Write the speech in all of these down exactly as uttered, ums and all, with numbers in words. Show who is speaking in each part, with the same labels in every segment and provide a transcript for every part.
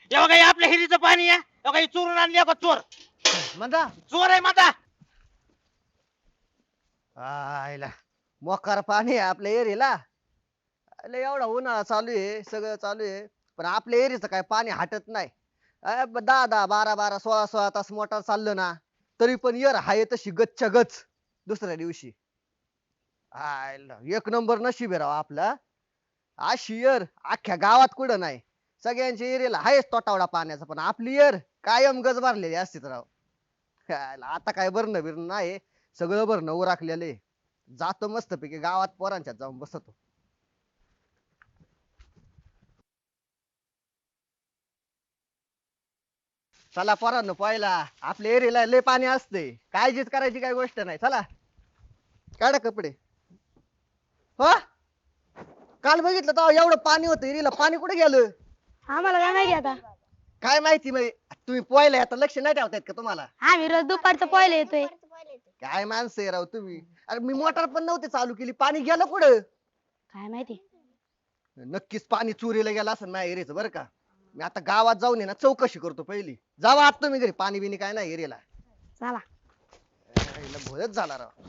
Speaker 1: हे बघा हे आपल्या हिरीचं पाणी आहे. हे बघा हे चोरून आणली बघा चोर.
Speaker 2: म्हणता
Speaker 1: चोर आहे माझा.
Speaker 2: आयला मोकार पाणी आहे आपल्या एरीला. अरे एवढा उन्हाळा चालू आहे सगळं चालू आहे पण आपल्या एरीचं काय पाणी हटत नाही. अ, ब- दहा दहा बारा बारा सोळा सोळा तास मोटर चाललं ना तरी पण एर हाय तशी गच्च्या गच दुसऱ्या दिवशी. आयला एक नंबर नशीब आहे राव आपला. अशी एर अख्ख्या गावात कुठं नाही. सगळ्यांच्या एरियाला हायच तोटावडा पाण्याचा पण आपली एर कायम गज भरलेली असतीच राव. आयला, आता काय भरणं बिरणं नाही सगळं भरणं उराखलेले. जातो मस्तपैकी गावात पोरांच्यात जाऊन बसतो. चला पोरांनो पहिला आपल्या एरियाला लय पाणी असते काळजीच करायची काही गोष्ट नाही. चला काढा कपडे. हो काल बघितलं तर एवढं पाणी होतं एरियाला पाणी कुठे गेलं
Speaker 3: आम्हाला काय माहिती आता.
Speaker 2: काय माहिती मग तुम्ही पोहायला आता लक्ष नाही ठेवतायत का तुम्हाला.
Speaker 3: आम्ही रोज दुपारचं पहिले येतोय.
Speaker 2: काय माणसं आहे राव तुम्ही. अरे मी मोटर पण नव्हती चालू केली पाणी गेलं कुठं.
Speaker 3: काय माहिती.
Speaker 2: नक्कीच पाणी चोरीला गेलं असं नाही एरियाचं बरं का. मी आता गावात जाऊन आहे ना चौकशी करतो पहिली. जावा आत तुम्ही घरी पाणी बिनी काय नाही एरियाला.
Speaker 3: चला.
Speaker 2: भोयच झाला राव.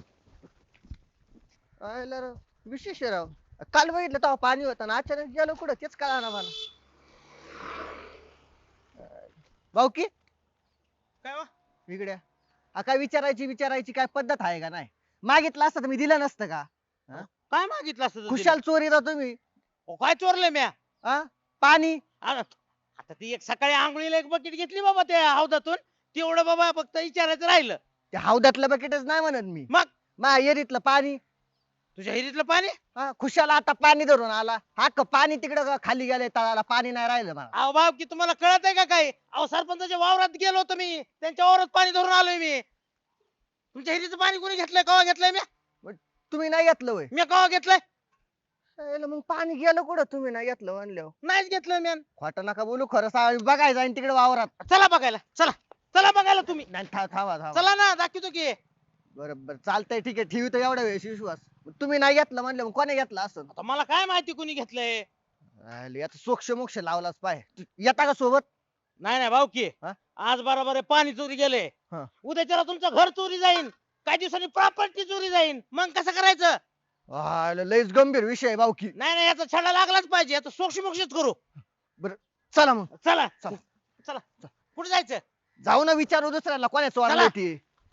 Speaker 2: आयला राव विशेष आहे राव. काल बघितलं तेव्हा पाणी होतं ना अचानक गेलो कुठं तेच कळा ना मला. भाऊ की
Speaker 1: काय हो?
Speaker 2: विगड्या हा काय विचारायची विचारायची काय पद्धत आहे का नाही. मागितलं असतं तर मी दिलं नसतं का.
Speaker 1: काय मागितलं असतं तू
Speaker 2: खुशाल चोरी राव तुम्ही.
Speaker 1: तिला? काय चोरले म्या?
Speaker 2: हा पाणी
Speaker 1: अरे, आता ती एक सकाळी आंघोळीला एक बकेट घेतली बाबा त्या हौदातून. तेवढं बाबा फक्त विचारायचं राहिलं.
Speaker 2: ते हौदातलं बकेटच नाही म्हणत मी.
Speaker 1: मग
Speaker 2: मा एरीतलं पाणी.
Speaker 1: तुझ्या हिरीतलं पाणी.
Speaker 2: हा खुशाला आता पाणी धरून आला हा क पाणी तिकडं खाली गेलंय तळाला पाणी नाही राहिलं मला.
Speaker 1: अहो भाऊ की तुम्हाला कळत आहे का काय? अहो सरपंचाच्या वावरात गेलो होतो मी. त्यांच्या वावरात पाणी धरून आलोय मी. तुमच्या हिरीचं पाणी कोणी घेतलंय? कवा घेतलंय मी?
Speaker 2: तुम्ही नाही घेतलं वय.
Speaker 1: मी कवा घेतलंय?
Speaker 2: मग पाणी गेलं कुठं तुम्ही नाही घेतलं म्हणल्यावर.
Speaker 1: नाहीच घेतलं मी.
Speaker 2: खोटं नका बोलू खरं सांग बघायचं जाईन तिकडे वावरात.
Speaker 1: चला बघायला. चला चला बघायला तुम्ही.
Speaker 2: नाही था- थांबा थांबा.
Speaker 1: चला ना दाखवतो की.
Speaker 2: बरं बरं चालतंय ठीक आहे ठेवी तर एवढ्या वेळेस विश्वास. तुम्ही नाही घेतलं म्हणलं मग कोणी घेतलं असं.
Speaker 1: आता मला काय माहिती कोणी घेतलंय.
Speaker 2: याचा सोक्ष मोक्ष लावलाच पाय. येता का सोबत.
Speaker 1: नाही नाही भाऊ की
Speaker 2: हा?
Speaker 1: आज बरोबर आहे पाणी चोरी गेले.
Speaker 2: हा.
Speaker 1: उद्याच्याला तुमचं घर चोरी जाईन. काही दिवसांनी प्रॉपर्टी चोरी जाईन. मग कसं करायचं?
Speaker 2: आयला, लयच गंभीर विषय आहे भाऊकी.
Speaker 1: नाही नाही याचा छडा लागलाच पाहिजे. आता सोक्ष मोक्षच करू.
Speaker 2: चला मग
Speaker 1: चला
Speaker 2: चला.
Speaker 1: चला कुठे जायचं?
Speaker 2: जाऊ ना विचारू दुसऱ्याला कोणा
Speaker 1: चला.
Speaker 2: चोरली ती.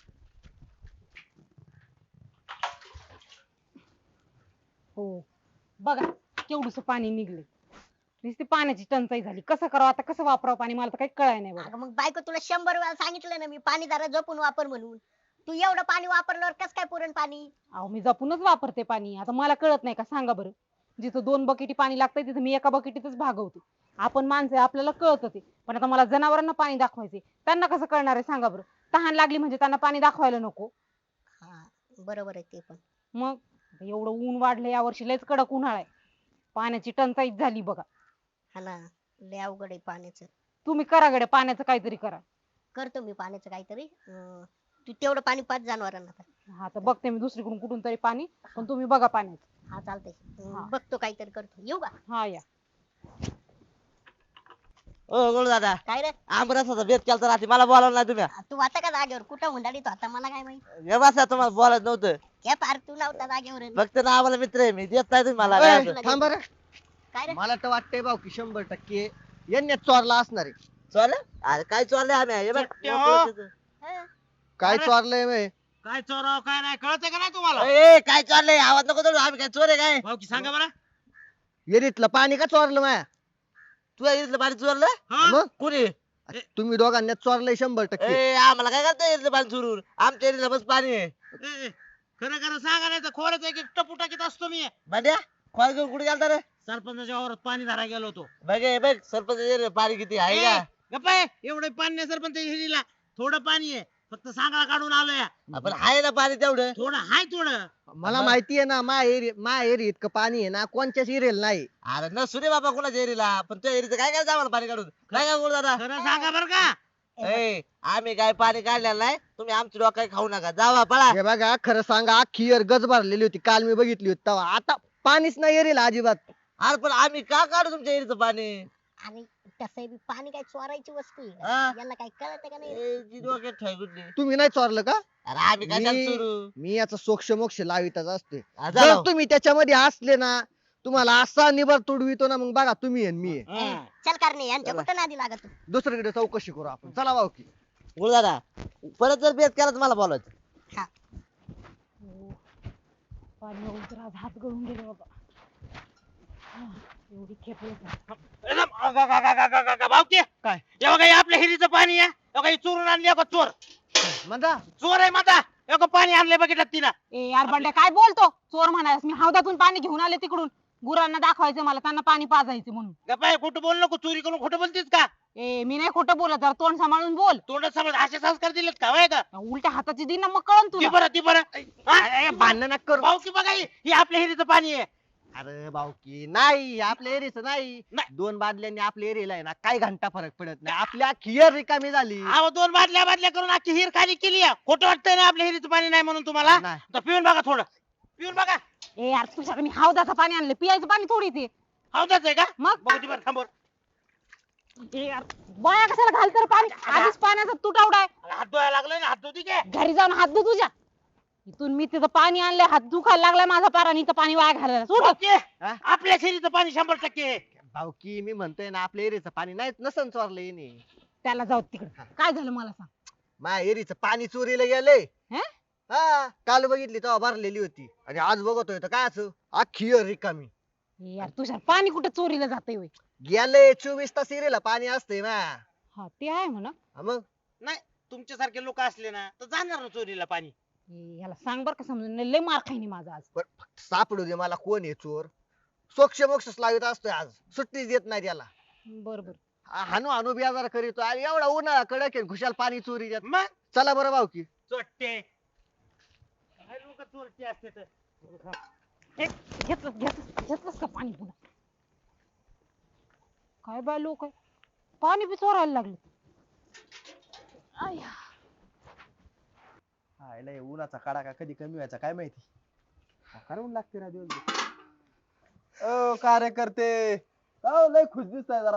Speaker 4: हो बघा केवढस पाणी निघले. नुसती पाण्याची टंचाई झाली. कसं करावं आता कसं वापरावं पाणी मला तर काही कळाय नाही बघा.
Speaker 5: अगं मग बायको तुला शंभर वेळा सांगितलं ना मी पाणी जरा जपून वापर म्हणून. तू एवढं पाणी वापरल्यावर कस काय पुरण पाणी.
Speaker 4: अहो मी जपूनच वापरते पाणी. आता मला कळत नाही का सांगा बरं. जिथं दोन बकेटी पाणी लागतंय तिथं मी एका बकेटीतच भागवते. आपण माणसं आहे, आपल्याला कळत ते. पण आता मला जनावरांना पाणी दाखवायचे त्यांना कसं कळणार आहे सांगा बरं. तहान लागली म्हणजे त्यांना पाणी दाखवायला नको.
Speaker 5: हा बरोबर आहे ते पण.
Speaker 4: मग आता एवढं ऊन वाढलं यावर्षी लयच कडक उन्हाळा आहे. पाण्याची टंचाईच झाली बघा.
Speaker 5: हा ना लय अवघड आहे पाण्याचं.
Speaker 4: तुम्ही करा गड्या पाण्याचं काहीतरी करा.
Speaker 5: करतो मी पाण्याचं काहीतरी. अं, तू तेवढं पाणी पाच जनावरांना आता.
Speaker 4: हा तर बघते मी दुसरीकडून कुठून तरी पाणी. पण तुम्ही बघा पाण्याचं.
Speaker 5: हा चालतंय. अं,
Speaker 4: हा.
Speaker 5: बघतो काहीतरी करतो. येऊ का?
Speaker 4: हा या.
Speaker 6: ओ गोळ दादा
Speaker 5: काय रे
Speaker 6: आमरसाचा बेत केलता रात्री मला बोलावलं नाही तुम्ही.
Speaker 5: तू आता का जागेवर कुठं हुंडाडीत होता मला काय माहित.
Speaker 6: हे बसा तुम्हाला बोलायचं नव्हतं.
Speaker 5: हे पार तू नव्हता जागेवर.
Speaker 6: फक्त ना आम्हाला मित्र आहे मी देत नाही तुम्ही मला
Speaker 2: ए,
Speaker 6: काय असं.
Speaker 2: थांब बरं.
Speaker 5: काय रे
Speaker 2: मला तर वाटतंय भाऊ की शंभर टक्के यांनी चोरला असणार आहे.
Speaker 6: चोरलं? अरे काय चोरलंय आम्ही हे बघ.
Speaker 1: सत्य हो.
Speaker 5: हं?
Speaker 2: काय
Speaker 1: अरे.
Speaker 2: चोरलंय बे?
Speaker 1: काय चोराव काय नाही कळतंय का नाही तुम्हाला?
Speaker 6: ए काय चोरलंय आवाज नको करू आम्ही काय चोर आहे काय.
Speaker 1: भाऊ की सांगा बरं.
Speaker 2: एरीतलं पाणी का चोरलं माया.
Speaker 6: तू इथलं पाणी चोरलं
Speaker 1: हा?
Speaker 2: मग
Speaker 6: कुणी.
Speaker 2: तुम्ही दोघांनी चोरलंय शंभर टक्के.
Speaker 6: ए आम्हाला काय करता इथलं पाणी चोरून आमच्या एरियाला बस पाणी आहे.
Speaker 1: ए, ए, खरं खरं सांगा नाही तर खोऱ्याचा एक एक टपू टाकीत असतो मी.
Speaker 6: भांड्या खोल घेऊन कुठे गेलता रे.
Speaker 1: सरपंचाच्या वावरात पाणी धरायला गेलो होतो.
Speaker 6: बघ हे बघ सरपंच एरियाला पाणी किती आहे का.
Speaker 1: गप्पा आहे एवढं पाणी नाही सरपंच हिरीला. थोडं पाणी आहे फक्त सांगाळा काढून आलोय.
Speaker 6: आपण आहे ना पाणी तेवढं.
Speaker 1: थोडं हाय थोडं.
Speaker 2: मला माहिती आहे ना मा एरी मा एरी इतकं पाणी आहे ना कोणच्याच एरियल नाही.
Speaker 6: अरे नसू रे बाबा कोणाच्या एरियाला पण त्या एरियाचं काय काय आम्हाला पाणी काढून काय काय गोळ दादा.
Speaker 1: खरं सांगा बरं का.
Speaker 6: ए आम्ही काय पाणी काढलेलं नाही तुम्ही आमची डोक्यात खाऊ नका जावा पळा.
Speaker 2: हे बघा खरं सांगा अख्खी एर गज भरलेली होती काल मी बघितली होती तेव्हा. आता पाणीच नाही एरीला अजिबात.
Speaker 6: अरे पण आम्ही का काढू तुमच्या एरीचं पाणी.
Speaker 5: अरे तसं बी पाणी काय चोरायची वस्तू आहे का?
Speaker 6: हा.
Speaker 5: याला काय कळत का नाही
Speaker 6: ए, जी डोक्यात ठेव गुड्डी.
Speaker 2: तुम्ही नाही चोरलं का
Speaker 6: अरे आम्ही काय
Speaker 2: मी-
Speaker 6: सुरू
Speaker 2: मी याचा सोक्ष मोक्ष लावितच असते
Speaker 6: हा,
Speaker 2: जर
Speaker 6: झालं.
Speaker 2: तुम्ही त्याच्यामध्ये असले ना तुम्हाला असा निभार तुडवितो ना मग बघा तुम्ही आणि मी आहे.
Speaker 6: हं.
Speaker 5: चल करणे यांच्या
Speaker 2: चला.
Speaker 5: कुठं नादी लागत तू?
Speaker 2: दुसरीकडे चौकशी करू आपण चला भाऊ की
Speaker 6: बोल दादा परत जर बेत केला तर मला बोलायचं.
Speaker 4: हो. पाणी येऊन तर आज हात गळून गेले बाबा हा, एवढी खेपली
Speaker 1: भावकी
Speaker 2: काय?
Speaker 1: हे बघा हे आपल्या हिरीचं पाणी आहे हे बघा हे चोरून आणले का चोर
Speaker 2: म्हणता
Speaker 1: चोर आहे माझा हे बघा पाणी आणले बघितलं तिनं
Speaker 4: ए यार बंड्या काय बोलतो चोर म्हणायस मी हौदातून पाणी घेऊन आले तिकडून गुरांना दाखवायचं मला त्यांना पाणी पाजायचं म्हणून
Speaker 1: गप्पा खोटं बोल नको चोरी करून खोटं बोलतीस का
Speaker 4: ए मी नाही खोटं बोलत जरा तोंड सांभाळून बोल
Speaker 1: तोंडात समज असे संस्कार दिलेत का वय का
Speaker 4: उलट्या हाताची दिन ना मग कळन
Speaker 1: ती
Speaker 4: तुला
Speaker 1: बरं ती बरं
Speaker 2: भांडण नका करू
Speaker 1: भावकी बघा ही ही आपल्या हिरीचं पाणी आहे
Speaker 2: अरे भाऊ की नाही आपल्या एरियाच नाही
Speaker 1: नाही.
Speaker 2: दोन बादल्यांनी आपल्या एरियाला आहे ना काही घंटा फरक पडत नाही आपली अख्खी एअर रिकामी झाली
Speaker 1: अहो दोन बादल्या बादल्या करून अख्खी हिर खाली केली आहे. खोटं वाटतंय ना आपल्या हिरीचं पाणी नाही म्हणून तुम्हाला
Speaker 2: नाही.
Speaker 1: तर पिऊन बघा थोडं पिऊन बघा
Speaker 4: ए यार तुझ्या मी हौदाचं पाणी आणलं पियाचं पाणी थोडी ते
Speaker 1: हौदाच आहे का
Speaker 4: मग
Speaker 1: बघू ती बरं थांबवर
Speaker 4: ए यार बाया कशाला घाल तर पाणी आधीच पाण्याचा तुटवडा आहे
Speaker 1: हात धुवायला लागलोय ना हात धुती काय
Speaker 4: घरी जाऊन हात धु तुझ्या इथून मी तिथं पाणी आणलंय हात दुखायला लागलाय माझा पारा आणि इथं पाणी वाया घालायला सोड
Speaker 1: भावकी,
Speaker 2: हा?
Speaker 1: आपल्या हिरीचं पाणी शंभर टक्के आहे.
Speaker 2: भाऊ की मी म्हणतोय ना आपल्या एरियाचं पाणी नाही नसन चोरलं येणे
Speaker 4: त्याला जाऊ तिकडे काय झालं मला सांग
Speaker 2: माझ्या एरीचं पाणी चोरीला गेलंय
Speaker 4: हे?
Speaker 2: हा काल बघितली तेव्हा भरलेली होती आणि आज बघतोय तर काय असं अख्खी एअर रिकामी
Speaker 4: ए यार तुझ्या पाणी कुठे चोरीला जातंय होय
Speaker 2: गेलंय चोवीस तास एरीला पाणी असतंय ना
Speaker 4: हा ते आहे म्हणा
Speaker 2: हा मग
Speaker 1: नाही तुमच्यासारखे लोक असले ना तर जाणार ना चोरीला पाणी
Speaker 4: ए, याला सांग बर का समजून लय मार खाईनी माझा आज
Speaker 2: बरं, फक्त सापडू दे मला कोण आहे चोर सोक्ष मोक्ष लावित असतोय आज सुट्टीच देत नाही त्याला
Speaker 4: बर बर
Speaker 2: हा- हानू हानू बियाजार करीतो आणि एवढा उन्हाळा कडक आहे खुशाल पाणी चोरी देत
Speaker 1: मग
Speaker 2: चला बरं भाऊ की
Speaker 1: चोट्टे काय लोक चोरटे असते तर
Speaker 4: घेतलं घेतलं घेतलंस का पाणी पुन्हा काय बाय लोक पाणी बी चोरायला लागले आया.
Speaker 7: आयला हे उन्हाचा कडाका कधी कमी व्हायचा काय माहिती करावं लागते ना दिवस ओ कार्यकर्ते अहो, लय खुश दिसताय जरा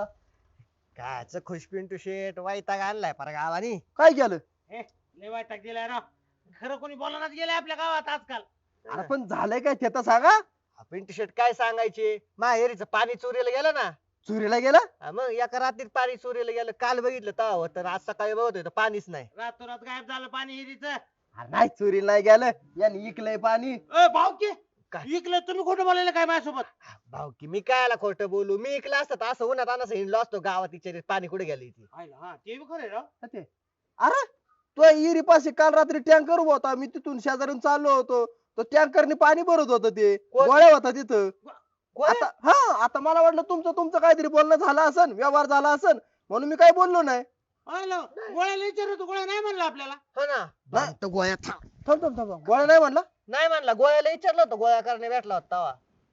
Speaker 2: काच खुश पिंटू शेट वैताग आणलाय पर गावानी
Speaker 7: काय केलं
Speaker 1: लय वाईट दिलाय राव खरं कोणी बोलणार गेले आपल्या गावात आजकाल
Speaker 7: अरे पण झालंय काय ते तर सांगा
Speaker 2: हा पिंटू शेट काय सांगायचे माहेरीचं पाणी चोरीला गेलं ना
Speaker 7: चोरीला गेला
Speaker 2: हा मग एका रात्रीत पाणी चोरीला गेलं काल बघितलं तेव्हा होतं आणि आज सकाळी बघतोय तर पाणीच नाही
Speaker 1: रातोरात गायब झालं पाणी हिरीचं
Speaker 7: अरे नाही चोरीला नाही गेलं याने इकलंय पाणी
Speaker 1: ए भाऊ की
Speaker 2: काय?
Speaker 1: इकलं तुम्ही खोटं बोलायला काय माझ्यासोबत
Speaker 2: भाऊ की मी कायला खोटं बोलू मी इकलं असतं तर असं उन्हात आणस हिंडलो असतो गावात विचारित पाणी कुठे गेलं इथे
Speaker 1: हाय ना, हा ते बी खरं आहे राव
Speaker 7: ते अरे तो इरी पाशी काल रात्री टँकर होता मी तिथून शेजारून चाललो होतो तो टँकरने पाणी भरत होतं ते
Speaker 2: कोण?
Speaker 7: गोळ्या होता तिथं
Speaker 2: कोण?
Speaker 7: आता हा आता मला वाटलं तुमचं तुमचं काहीतरी बोलणं झालं असन व्यवहार झाला असन म्हणून मी काही बोललो नाही
Speaker 1: हाय ना, गोळ्याला विचारतो गोळ्या नाही म्हणला आपल्याला
Speaker 2: हो ना भाऊ गोळ्या थांब.
Speaker 7: थांब थांब थांब गोळ्या नाही म्हणला
Speaker 2: नाही म्हणला गोळ्याला विचारलं होतं गोळ्या करणे भेटला होता तेव्हा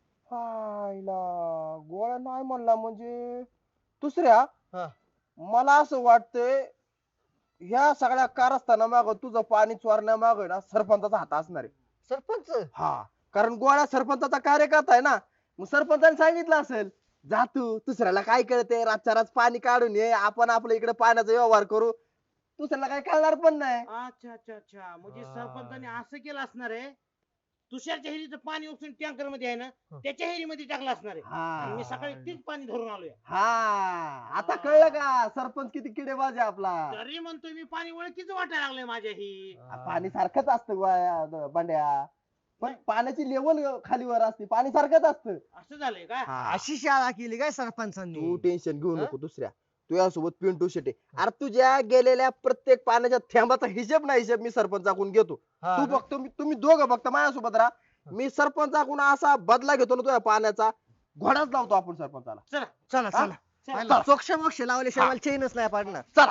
Speaker 7: हायला गोळ्या नाही म्हणला म्हणजे दुसऱ्या
Speaker 2: हा.
Speaker 7: मला असं वाटतंय ह्या सगळ्या कारस्थाना माग तुझं पाणी चोरण्या माग ना सरपंचाचा हात असणार आहे
Speaker 2: सरपंच
Speaker 7: हा कारण गोळ्या सरपंचाचा कार्यकर्ता आहे ना मग सरपंचाने सांगितलं असेल जा तू दुसऱ्याला काय कळते रातच्या रात पाणी काढून ये आपण आपल्या इकडे पाण्याचा व्यवहार करू दुसऱ्याला काय कळणार पण नाही
Speaker 1: अच्छा अच्छा अच्छा म्हणजे
Speaker 2: हा.
Speaker 1: सरपंचाने असं केलं असणार आहे तुषारच्या हिरीचं पाणी उपसून टँकर मध्ये आहे ना
Speaker 7: हं.
Speaker 1: त्याच्या हिरीमध्ये टाकलं असणार आहे आणि
Speaker 7: हा
Speaker 1: मी सकाळी तेच पाणी धरून आलोय
Speaker 7: हा आता कळलं का सरपंच किती किडेबाज आहे आपला
Speaker 1: तरी म्हणतोय मी पाणी ओळखीच वाटायला लागलंय माझ्या ही
Speaker 7: पाणी सारखंच असतं गोळ्या बंड्या पण पाण्याची लेवल खाली वर असते पाणी सारखंच असतं
Speaker 1: असं झालंय का
Speaker 2: अशी शाळा केली काय सरपंचांनी
Speaker 7: तू टेन्शन घेऊ
Speaker 2: हा?
Speaker 7: नको दुसऱ्या तुझ्यासोबत पिंटू शेटे अरे तुझ्या गेलेल्या प्रत्येक पाण्याच्या थेंबाचा हिशेब नाही हिशेब मी सरपंचाकडून घेतो
Speaker 2: हा
Speaker 7: तू
Speaker 2: ना?
Speaker 7: फक्त मी तुम्ही दोघं फक्त माझ्यासोबत राहा मी सरपंचाकडून असा बदला घेतो ना तुझ्या पाण्याचा घोडाच लावतो आपण सरपंचाला
Speaker 1: चला
Speaker 2: चला
Speaker 7: हा?
Speaker 2: चला
Speaker 1: चला.
Speaker 2: सोक्ष मोक्ष लावल्याशिवाय मला चैनच नाही पडणार
Speaker 7: चला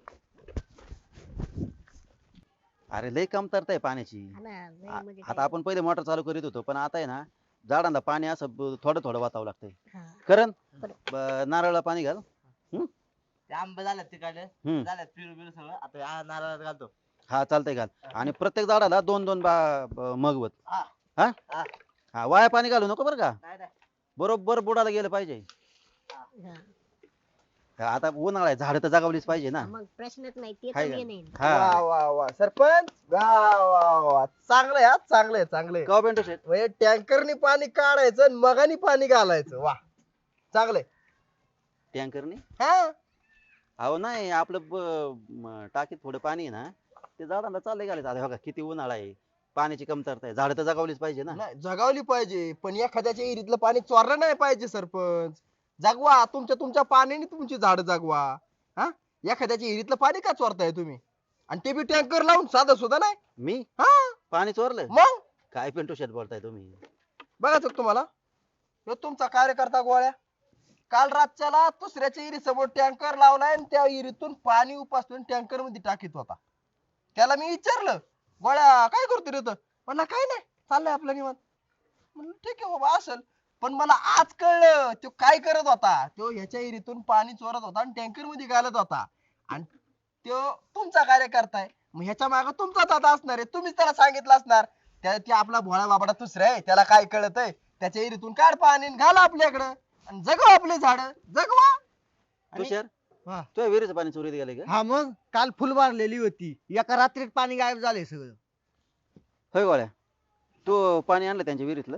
Speaker 8: अरे लय कमतरता आहे पाण्याची
Speaker 5: हा ना, लय
Speaker 8: आ-
Speaker 5: म्हणजे
Speaker 8: आता
Speaker 5: काय.
Speaker 8: आपण पहिले मोटर चालू करीत होतो पण आता आहे ना झाडांना पाणी असं ब- थोडं थोडं वाचावं लागतंय
Speaker 5: हा.
Speaker 8: करण
Speaker 5: बरं.
Speaker 8: ब- नारळाला पाणी घाल
Speaker 6: ते आंबे झाल्यात तिकडे
Speaker 8: हम्म.
Speaker 6: झाल्यात पिरू बिरू सगळं आता हा नारळात घालतो
Speaker 8: हा चालतंय घाल आणि प्रत्येक झाडाला दोन दोन बा- ब- मगवत
Speaker 6: हा.
Speaker 8: हा
Speaker 6: हा.
Speaker 8: हा वाया पाणी घालू नको बरं का
Speaker 6: नाही नाही
Speaker 8: बरोबर बुडाला गेलं पाहिजे
Speaker 5: हा.
Speaker 8: आता उन्हाळा आहे झाडं तर जगावलीच पाहिजे ना.
Speaker 5: मग प्रश्नच नाही ते
Speaker 8: हाय
Speaker 5: तर
Speaker 8: का?
Speaker 5: मी नाही
Speaker 8: हा
Speaker 7: वा वा वा सरपंच वा वा वा चांगलं आहे हा, चांगलं आहे चांगलं आहे.
Speaker 8: का पेंटू शेट
Speaker 7: म्हणजे टँकरनी पाणी काढायचं आणि मगानी पाणी घालायचं वा चांगलंय.
Speaker 8: टँकरने
Speaker 7: हा
Speaker 8: अहो नाही आपलं ब- म- टाकीत थोडं पाणी आहे ना ते झाडांना चाललंय घालायचं. आता बघा किती उन्हाळा आहे पाण्याची कमतरता आहे झाडं तर जगावलीच पाहिजे ना.
Speaker 7: नाही जगावली पाहिजे पण एखाद्याच्या विहिरीतलं पाणी चोरलं नाही पाहिजे सरपंच. जगवा तुमच्या तुमच्या पाण्याने तुमची झाड जगवा. हा एखाद्याच्या विहिरीतलं पाणी का चोरताय तुम्ही आणि ते बी टँकर लावून साधं सुद्धा नाही.
Speaker 8: मी
Speaker 7: हा
Speaker 8: पाणी चोरलं
Speaker 7: मग
Speaker 8: काय पेंटू शेट बोलताय तुम्ही.
Speaker 7: बघाच तुम्हाला ह्यो तुमचा कार्यकर्ता गोळ्या काल रातच्याला दुसऱ्याच्या विहिरी समोर टँकर लावलाय आणि त्या विहिरीतून पाणी उपसून टँकर मध्ये टाकीत होता. त्याला मी विचारलं गोळ्या काय करतो रे तर म्हणला काय नाही चाललंय आपलं निवांत. म्हणलं ठीक आहे बाबा असेल पण मला आज कळलं तो काय करत होता. तो ह्याच्या विहिरीतून पाणी चोरत होता आणि टँकर मध्ये घालत होता आणि तो तुमचा कार्यकर्ता आहे. मग ह्याच्या मागे तुमचाच आता असणार आहे. तुम्हीच त्याला सांगितलं असणार त्या ते आपला भोळा बाबाडा दुसरा आहे त्याला काय कळत आहे. त्याच्या विहिरीतून काढ पाणी आणि घाला आपल्याकडं आणि जगवा आपले झाड जगवा. आणि-
Speaker 8: तुषार
Speaker 2: हा.
Speaker 8: तुझ्या विहिरीचं पाणी चोरीत गेले का.
Speaker 2: हा मग काल फुल मारलेली होती एका रात्रीत पाणी गायब झाले सगळं.
Speaker 8: होय गोळ्या तू पाणी आणलं त्यांच्या विहिरीतलं.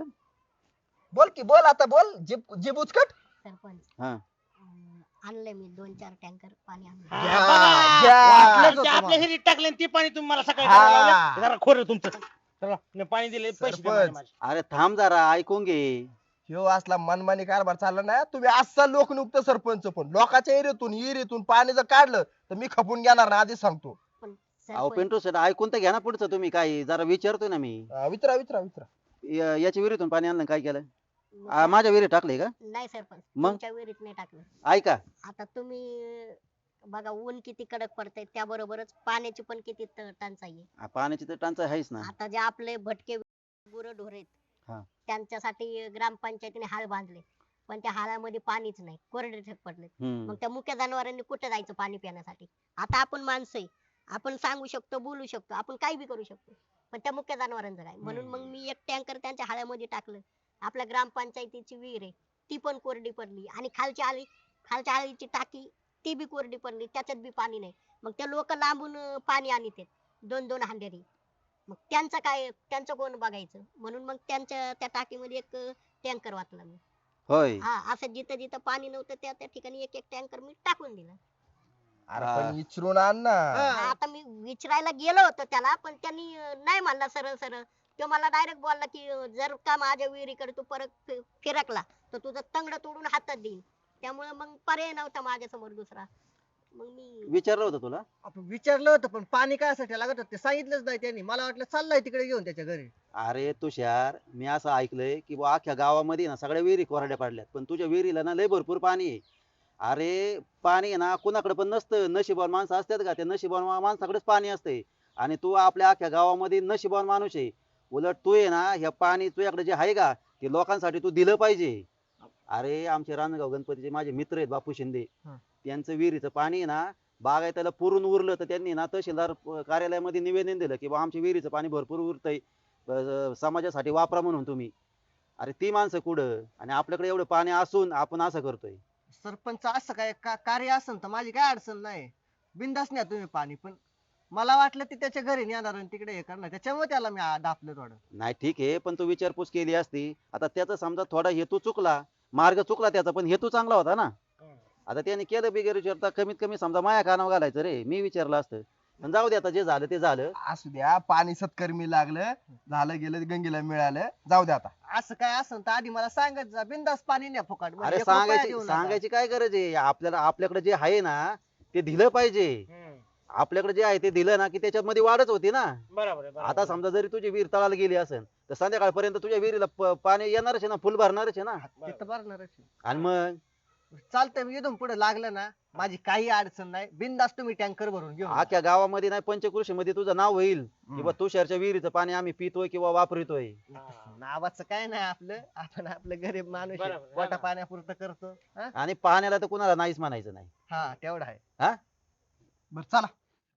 Speaker 7: बोल की बोल आता बोल जीभ जीभ उचकट.
Speaker 5: सरपंच
Speaker 8: हा
Speaker 5: अं, आणलंय मी दोन चार टँकर पाणी आणलं
Speaker 1: हा,
Speaker 7: घ्या,
Speaker 1: बघा.
Speaker 7: घ्या.
Speaker 1: वाटलं ते आपल्या हिरीत टाकले आणि ते पाणी तुम्ही मला सकाळी
Speaker 7: हा.
Speaker 1: करायला लावलं. जरा खोर तुमचं चला मी पाणी दिले पैसे द्या
Speaker 7: सरपंच.
Speaker 1: माझे.
Speaker 8: अरे थांब जरा ऐकून घे.
Speaker 7: ह्यो असला मनमानी कारभार चालला ना तुम्ही असा लोकनियुक्त सरपंच पण लोकांच्या एरियातून विहिरीतून पाणी जर काढलं तर मी खपून घेणार ना आधीच सांगतो.
Speaker 5: पण
Speaker 8: अहो
Speaker 5: सरपंच
Speaker 8: पेंटू शेट ऐकून तर घ्या ना पुढचं तुम्ही काय जरा विचारतोय ना मी.
Speaker 7: अं, विचारा विचारा विचारा.
Speaker 8: या- याच्या विहिरीतून पाणी आणलं काय केलं.
Speaker 5: मग
Speaker 8: आ, माझ्या विहिरीत टाकले का.
Speaker 5: नाही सरपंच
Speaker 8: मग?
Speaker 5: तुमच्या विहिरीत नाही टाकलं.
Speaker 8: ऐका
Speaker 5: आता तुम्ही बघा ऊन किती कडक पडतंय त्याबरोबरच पाण्याची पण किती त- टंचाई आहे.
Speaker 8: आ, पाण्याची तर टंचाई आहेच ना.
Speaker 5: आता जे आपले भटके गुरढोर आहेत
Speaker 8: हा.
Speaker 5: त्यांच्यासाठी ग्रामपंचायतीने हाल बांधले पण त्या हालामध्ये पाणीच नाही कोरडे ठेक पडले.
Speaker 8: हम्म
Speaker 5: मग त्या मुक्या जनावरांनी कुठे जायचं पाणी पिण्यासाठी. आता आपण माणसं आहे आपण सांगू शकतो बोलू शकतो आपण काही बी करू शकतो पण त्या मुक्या जनावरांचं काय. म्हणून मग मी एक टँकर त्यांच्या हाळ्यामध्ये टाकलं. आपल्या ग्रामपंचायतीची विहीर आहे ती पण कोरडी पडली आणि खालची आळी खालच्या आळीची टाकी ती बी कोरडी पडली त्याच्यात बी पाणी नाही. मग ते लोक लांबून अं, पाणी आणीत आहेत दोन दोन हांडेरी. मग त्यांचं काय त्यांचं कोण बघायचं म्हणून मग त्यांच्या त्या टाकीमध्ये एक टँकर वाचला मी.
Speaker 8: होय
Speaker 5: हा असं जिथं जिथं पाणी नव्हतं त्या त्या ठिकाणी एक एक टँकर मी टाकून दिला.
Speaker 7: अरे
Speaker 8: हा.
Speaker 7: पण विचारून आण ना.
Speaker 5: हा, आता मी विचारायला गेलो होतो त्याला पण त्यांनी अं, नाही म्हणला सरळ सरळ. तो मला डायरेक्ट बोलला की अं, जर का माझ्या विहिरीकडे तू परत फि- फिरकला तर तुझं तंगड तोडून हातात देईन. त्यामुळे मग पर्याय नव्हता माझ्या समोर दुसरा. मग मी
Speaker 8: विचारलं होतं तुला.
Speaker 2: आपण विचारलं होतं पण पाणी काय साठी लागत होतं ते सांगितलंच नाही त्यांनी. मला वाटलं चाललंय तिकडे घेऊन त्याच्या घरी.
Speaker 8: अरे तुषार मी असं ऐकलंय की बुवा अख्ख्या गावामध्ये ना सगळ्या विहिरी कोरड्या पडल्यात पण तुझ्या विहिरीला ना लय भरपूर पाणी आहे. अरे पाणी आहे ना कुणाकडे पण नसतं नशिबान माणसं असतात का त्या नशिबान माणसाकडेच पाणी असते आणि तू आपल्या अख्ख्या गावामध्ये नशिबान माणूस आहे. उलट तू आहे ना ह्या पाणी तुझ्याकडे जे आहे का ते लोकांसाठी तू दिलं पाहिजे. अरे आमचे रानगाव गणपतीचे माझे मित्र आहेत बापू शिंदे
Speaker 2: हा.
Speaker 8: त्यांचं विहिरीचं पाणी आहे ना बागायताला पुरून उरलं तर त्यांनी ना तहसीलदार प- कार्यालयामध्ये निवेदन दिलं की बा आमच्या विहिरीचं पाणी भरपूर उरतंय अं, समाजासाठी वापरा म्हणून तुम्ही. अरे ती माणसं कुठं आणि आपल्याकडे एवढं पाणी असून आपण असं करतोय.
Speaker 2: सरपंच असं काय का- कार्य असेल तर माझी काय अडचण नाही. बिंदास न्या तुम्ही पाणी पण मला वाटलं ते त्याच्या घरी नेणार आणि तिकडे हे करणार त्याच्यामुळे त्याला मी आ- दापलं थोडं.
Speaker 8: नाही ठीक आहे पण तू विचारपूस केली असती. आता त्याचा समजा थोडा हेतू चुकला मार्ग चुकला त्याचा पण हेतू चांगला होता ना. आता त्याने केलं बिगर विचारता कमीत कमी समजा माया कानावर घालायचं रे मी विचारलं असतं. पण जाऊ दे आता जे झालं ते झालं.
Speaker 7: असू द्या पाणी सत्कर्मी लागलं झालं गेलं गंगेला मिळालं जाऊ द्या आता.
Speaker 2: असं काय असेल तर आधी मला सांगत जा बिंदास पाणी न्या फुकट. म्हणजे
Speaker 8: अरे
Speaker 2: एक रुपया
Speaker 8: सांगायची
Speaker 2: देऊ नका.
Speaker 8: सांगायची काय गरज आहे आपल्याला आपल्याकडे जे आहे ना ते दिलं पाहिजे.
Speaker 1: हम्म.
Speaker 8: आपल्याकडे जे आहे ते दिलं ना की त्याच्यामध्ये वाढच होती ना.
Speaker 1: बरोबर आहे, बरोबर
Speaker 8: आता
Speaker 1: आहे.
Speaker 8: समजा जरी तुझी विहीर तळाला गेली असेल तर संध्याकाळपर्यंत तुझ्या विहिरीला प- पाणी येणारच आहे ना फुल भरणारच आहे ना.
Speaker 2: ते तर भरणारच आहे.
Speaker 8: आणि मग
Speaker 2: चालतंय मी इथून पुढे लागलं ना माझी काही अडचण नाही बिंदास तुम्ही टँकर भरून घेऊन जा.
Speaker 8: अख्ख्या गावामध्ये नाही पंचकृषी मध्ये तुझं नाव होईल किंवा तुषारच्या विहिरीचं पाणी आम्ही पितोय किंवा वापरतोय.
Speaker 1: हा.
Speaker 2: नावाचं काय नाही आपलं आपण आपलं गरीब माणूस आहे.
Speaker 1: बरोबर,
Speaker 2: पोटा
Speaker 1: हा.
Speaker 2: पाण्यापुरतं करतो हा?
Speaker 8: आणि पाण्याला तर कुणाला नाहीच म्हणायचं नाही.
Speaker 2: हा तेवढं आहे.
Speaker 8: हा
Speaker 7: बरं चला